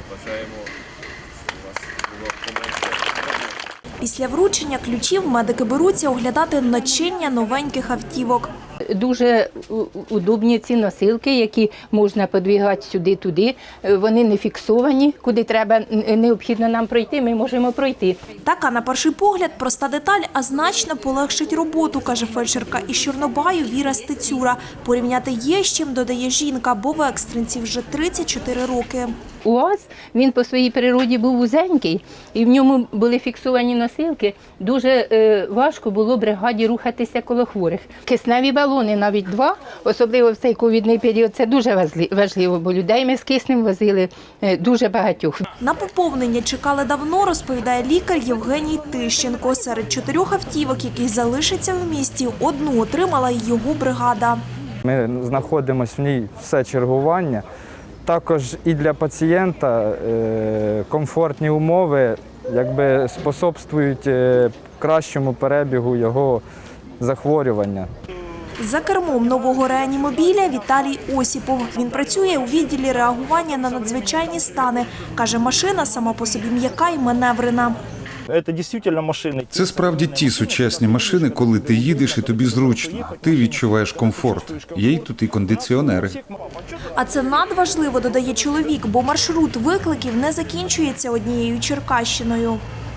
Бажаємо, щоб у вас було поменше. Після вручення ключів медики беруться оглядати начиння новеньких автівок. Дуже удобні ці носилки, які можна подвігати сюди-туди. Вони не фіксовані, куди треба, необхідно нам пройти, ми можемо пройти. Така, на перший погляд, проста деталь, а значно полегшить роботу, каже фельдшерка із Чорнобаю Віра Стецюра. Порівняти є з чим, додає жінка, бо в екстренці вже 34 роки. УАЗ, він по своїй природі був вузенький, і в ньому були фіксовані носилки. Дуже важко було бригаді рухатися коло хворих. Кисневі балони, навіть 2, особливо в цей ковідний період, це дуже важливо, бо людей ми з киснем возили дуже багатьох. На поповнення чекали давно, розповідає лікар Євгеній Тищенко. Серед 4 автівок, які залишаться в місті, одну отримала й його бригада. Ми знаходимося в ній все чергування. Також і для пацієнта комфортні умови способствують кращому перебігу його захворювання. За кермом нового реанімобіля Віталій Осіпов. Він працює у відділі реагування на надзвичайні стани. Каже, машина сама по собі м'яка і маневрена. Це справді ті сучасні машини, коли ти їдеш і тобі зручно, ти відчуваєш комфорт. Є й тут і кондиціонери. А це надважливо, додає чоловік, бо маршрут викликів не закінчується однією Черкащиною.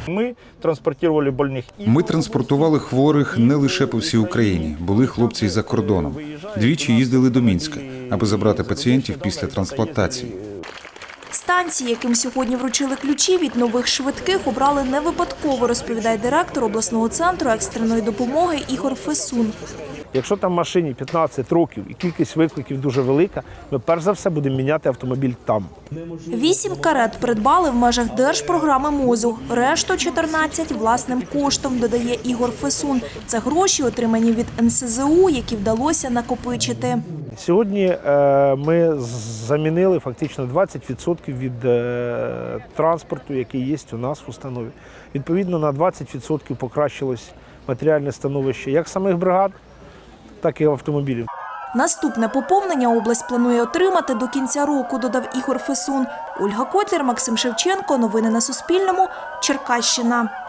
Ми транспортували хворих не лише по всій Україні. Були хлопці й за кордоном. Двічі їздили до Мінська, аби забрати пацієнтів після трансплантації. Станції, яким сьогодні вручили ключі від нових швидких, обрали не випадково, розповідає директор обласного центру екстреної допомоги Ігор Фесун. Якщо там машині 15 років і кількість викликів дуже велика, ми перш за все будемо міняти автомобіль там. 8 карет придбали в межах держпрограми МОЗу. Решту 14 власним коштом, додає Ігор Фесун. Це гроші, отримані від НСЗУ, які вдалося накопичити. Сьогодні ми замінили фактично 20% від транспорту, який є у нас в установі. Відповідно, на 20% покращилось матеріальне становище як самих бригад, так і автомобілів. Наступне поповнення область планує отримати до кінця року, додав Ігор Фесун. Ольга Котлер, Максим Шевченко. Новини на Суспільному. Черкащина.